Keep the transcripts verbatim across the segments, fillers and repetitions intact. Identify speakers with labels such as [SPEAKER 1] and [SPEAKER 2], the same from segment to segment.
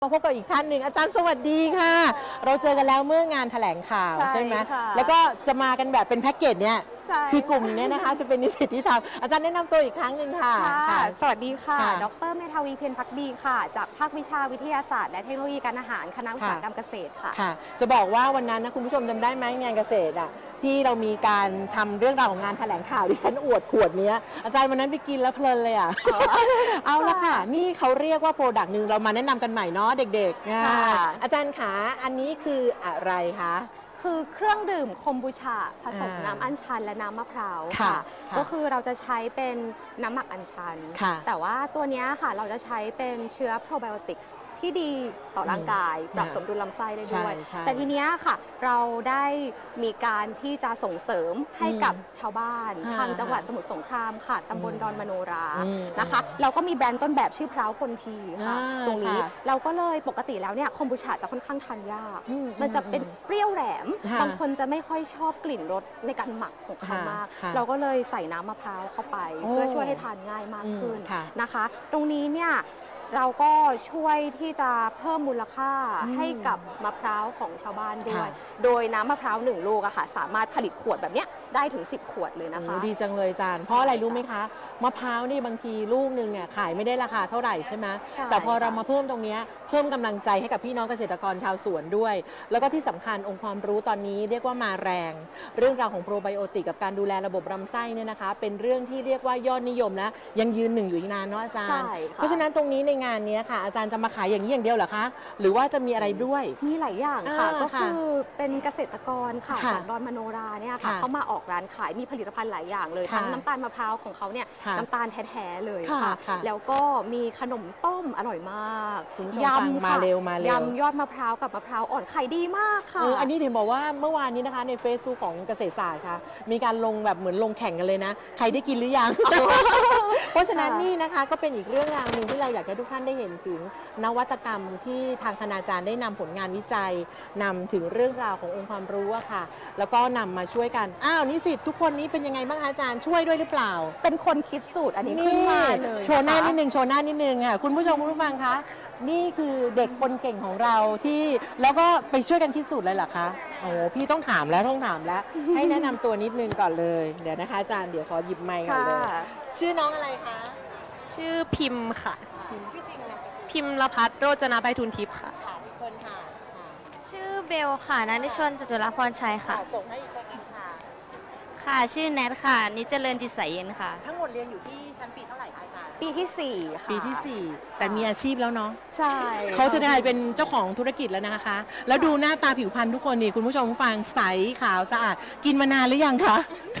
[SPEAKER 1] มาพบกับอีกท่านหนึ่งอาจารย์สวัสดีค่ะเราเจอกันแล้วเมื่องานแถลงข่าวใช่ไหมแล้วก็จะมากันแบบเป็นแพ็กเกจเนี่ยคือกลุ่มนี้นะคะจะเป็นนิสิตที่ทำอาจารย์แนะนำตัวอีกครั้งหนึ่งค่ะ
[SPEAKER 2] สวัสดีค่ะดร.เมธาวีเพียรภักดีค่ะจากภาควิชาวิทยาศาสตร์และเทคโนโลยีการอาหารคณะอุตสาหกรรมเกษตรค่ะ
[SPEAKER 1] ค่ะจะบอกว่าวันนั้นนะคุณผู้ชมจำได้ไหมงานเกษตรอ่ะที่เรามีการทำเรื่องราวของงานแถลงข่าวดิฉันอวดขวดนี้อาจารย์วันนั้นไปกินแล้วเพลินเลยอ่ะเอาละค่ะนี่เขาเรียกว่าโปรดักต์หนึ่งเรามาแนะนำกันใหม่เนาะเด็กๆอาจารย์ขาอันนี้คืออะไรคะ
[SPEAKER 2] คือเครื่องดื่มคอมบูชาผสมน้ำอัญชันและน้ำมะพร้าวค่ะก็คือเราจะใช้เป็นน้ำหมักอัญชันแต่ว่าตัวนี้ค่ะเราจะใช้เป็นเชื้อโปรไบโอติกส์ที่ดีต่อร่างกายปรับสมดุลลำไส้ได้ด้วยแต่ทีนี้ค่ะเราได้มีการที่จะส่งเสริมให้กับชาวบ้านทางจังหวัดสมุทรสงครามค่ะตำบลดอนมโนรานะคะเราก็มีแบรนด์ต้นแบบชื่อพร้าวคนทีค่ะตรงนี้เราก็เลยปกติแล้วเนี่ยคอมบูชาจะค่อนข้างทานยากมันจะเป็นเปรี้ยวแหลมบางคนจะไม่ค่อยชอบกลิ่นรสในการหมักของเขามากเราก็เลยใส่น้ำมะพร้าวเข้าไปเพื่อช่วยให้ทานง่ายมากขึ้นนะคะตรงนี้เนี่ยเราก็ช่วยที่จะเพิ่มมูลค่าให้กับมะพร้าวของชาวบ้านด้วยโดยน้ำมะพร้าวหนึ่งลูกอะค่ะสามารถผลิตขวดแบบนี้ได้ถึงสิบขวดเลยนะคะ
[SPEAKER 1] ดีจังเลยจานเพราะอะไรรู้ไหมคะมะพร้าวนี่บางทีลูกหนึ่งเนี่ยขายไม่ได้ราคาเท่าไหร่ใช่ไหมแต่พอเรามาเพิ่มตรงนี้เพิ่มกำลังใจให้กับพี่น้องเกษตรกรชาวสวนด้วยแล้วก็ที่สำคัญองค์ความรู้ตอนนี้เรียกว่ามาแรงเรื่องราวของโปรไบโอติกกับการดูแลระบบลำไส้เนี่ยนะคะเป็นเรื่องที่เรียกว่ายอดนิยมและยังยืนหนึ่งอยู่อีกนานเนาะอาจารย์เพราะฉะนั้นตรงนี้ในงานนี้ค่ะอาจารย์จะมาขายอย่างนี้อย่างเดียวเหรอคะหรือว่าจะมีอะไรด้วย
[SPEAKER 2] มีหลายอย่างค่ะก็คือเป็นเกษตรกรค่ะจากดอนมโนราเนี่ยค่ะเขามาออกร้านขายมีผลิตภัณฑ์หลายอย่างเลยทั้งน้ำตาลมะพร้าวของเขาเนี่ยน้ำตาลแท้ๆเลยค่ะแล้วก็มีขนมต้มอร่อยมาก
[SPEAKER 1] ยำค่ะ
[SPEAKER 2] ยำยอดมะพร้าวกับมะพร้าวอ่อนขายดีมากค่ะ
[SPEAKER 1] อันนี้ถึงบอกว่าเมื่อวานนี้นะคะใน Facebook ของเกษตรศาสตร์ค่ะมีการลงแบบเหมือนลงแข่งกันเลยนะใครได้กินหรือยังเพราะฉะนั้นนี่นะคะก็เป็นอีกเรื่องราวหนึ่งที่เราอยากให้ทุกท่านได้เห็นถึงนวัตกรรมที่ทางคณาจารย์ได้นำผลงานวิจัยนำถึงเรื่องราวขององค์ความรู้อะค่ะแล้วก็นำมาช่วยกันอ้าวนิสิตทุกคนนี้เป็นยังไงบ้างอาจารย์ช่วยด้วยหรือเปล่า
[SPEAKER 2] เป็นคนคิดสูตรอันนี้ขึ้นมาเลย
[SPEAKER 1] โชว์หน้านิดนึงโชว์หน้านิดนึงค่ะคุณผู้ชมคุณผู้ฟังคะนี่คือเด็กคนเก่งของเราที่แล้วก็ไปช่วยกันคิดสูตรเลยเหรอคะโอ้พี่ต้องถามแล้วต้องถามแล้วให้แนะนำตัวนิดนึงก่อนเลยเดี๋ยวนะคะอาจารย์เดี๋ยวขอหยิบไมค์ก่อนเลยชื่อน้องอะไรคะ
[SPEAKER 3] ชื่อพิมพ์ค่ะ
[SPEAKER 1] พิมพ์ชื่อจริงนะ
[SPEAKER 3] พิมพ์ละพัฒน์โรจนาไพฑูรย์ทิพย์ค่ะ
[SPEAKER 1] ค่ะอีกคนค่ะ
[SPEAKER 4] ชื่อเบลค่ะณนิชนจตุรพรชัยค่ะ
[SPEAKER 1] ส่งให้อีกคนนึงค่ะ
[SPEAKER 4] ค่ะชื่อแนทค่ะนิจเจริญจิตใสเย็นค่ะ
[SPEAKER 1] ทั้งหมดเรียนอยู่ที่ชั้นปีเท่าไหร่คะอาจารย์
[SPEAKER 2] ปีที่สี่ค่ะ
[SPEAKER 1] ปีที่สี่แต่มีอาชีพแล้วเนาะ
[SPEAKER 2] ใช่
[SPEAKER 1] เขาจะได้เป็นเจ้าของธุรกิจแล้วนะคะแล้วดูหน้าตาผิวพรรณทุกคนนี่คุณผู้ชมฟังใสขาวสะอาดกินมานานหรือยังคะ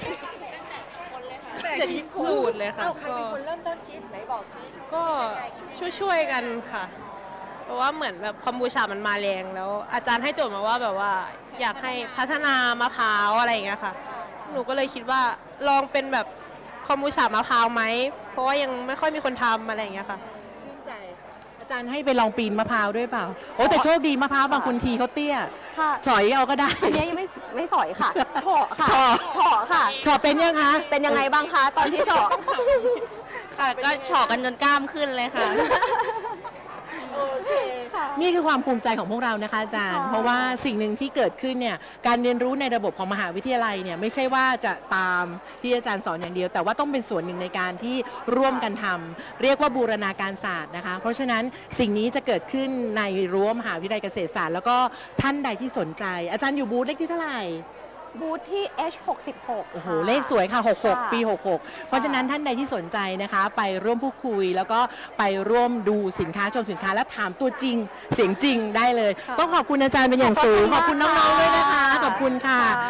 [SPEAKER 3] แต่คิดสูตรเลยค่ะ
[SPEAKER 1] ใครเป็นคนเริ่มต้นคิดไหนบอกซิ
[SPEAKER 3] ก็ช่วยๆกันค่ะเพราะว่าเหมือนแบบคอมบูชามันมาแรงแล้วอาจารย์ให้โจทย์มาว่าแบบว่าอยากให้พัฒนามะพร้าวอะไรอย่างเงี้ยค่ะหนูก็เลยคิดว่าลองเป็นแบบคอมบูชามะพร้าวไหมเพราะว่ายังไม่ค่อยมีคนทำอะไรอย่างเงี้ยค่ะ
[SPEAKER 1] ชื่นใจอาจารย์ให้ไปลองปีนมะพร้าวด้วยเปล่าโอ้แต่โชคดีมะพร้าวบางคนทีเขาเตี้ยสอยเอาก็ได้
[SPEAKER 2] อันนี้ยังไม่ไม่สอยค่ะเฉาะค่ะเฉาะค่ะ
[SPEAKER 1] เฉาะเป็นยังคะ
[SPEAKER 2] เป็นยังไงบ้างคะตอนที่เฉาะ
[SPEAKER 4] ค่ะก็เฉาะกันจนกล้ามขึ้นเลยค่ะ
[SPEAKER 1] นี่คือความภูมิใจของพวกเรานะคะอาจารย์เพราะว่าสิ่งหนึ่งที่เกิดขึ้นเนี่ยการเรียนรู้ในระบบของมหาวิทยาลัยเนี่ยไม่ใช่ว่าจะตามที่อาจารย์สอนอย่างเดียวแต่ว่าต้องเป็นส่วนหนึ่งในการที่ร่วมกันทำเรียกว่าบูรณาการศาสตร์นะคะเพราะฉะนั้นสิ่งนี้จะเกิดขึ้นในรั้วมหาวิทยาลัยเกษตรศาสตร์แล้วก็ท่านใดที่สนใจอาจารย์อยู่บูธเลขที่เท่าไหร่
[SPEAKER 2] บูธที่ เอช หกสิบหก
[SPEAKER 1] โอ้โหเลขสวยค่ะหกสิบหกปีหกสิบหกเพราะฉะนั้นท่านใดที่สนใจนะคะไปร่วมพูดคุยแล้วก็ไปร่วมดูสินค้าชมสินค้าและถามตัวจริงเสียงจริงได้เลยต้องขอบคุณอาจารย์เป็นอย่างสูงขอบคุณน้องๆด้วยนะคะขอบคุณค่ะ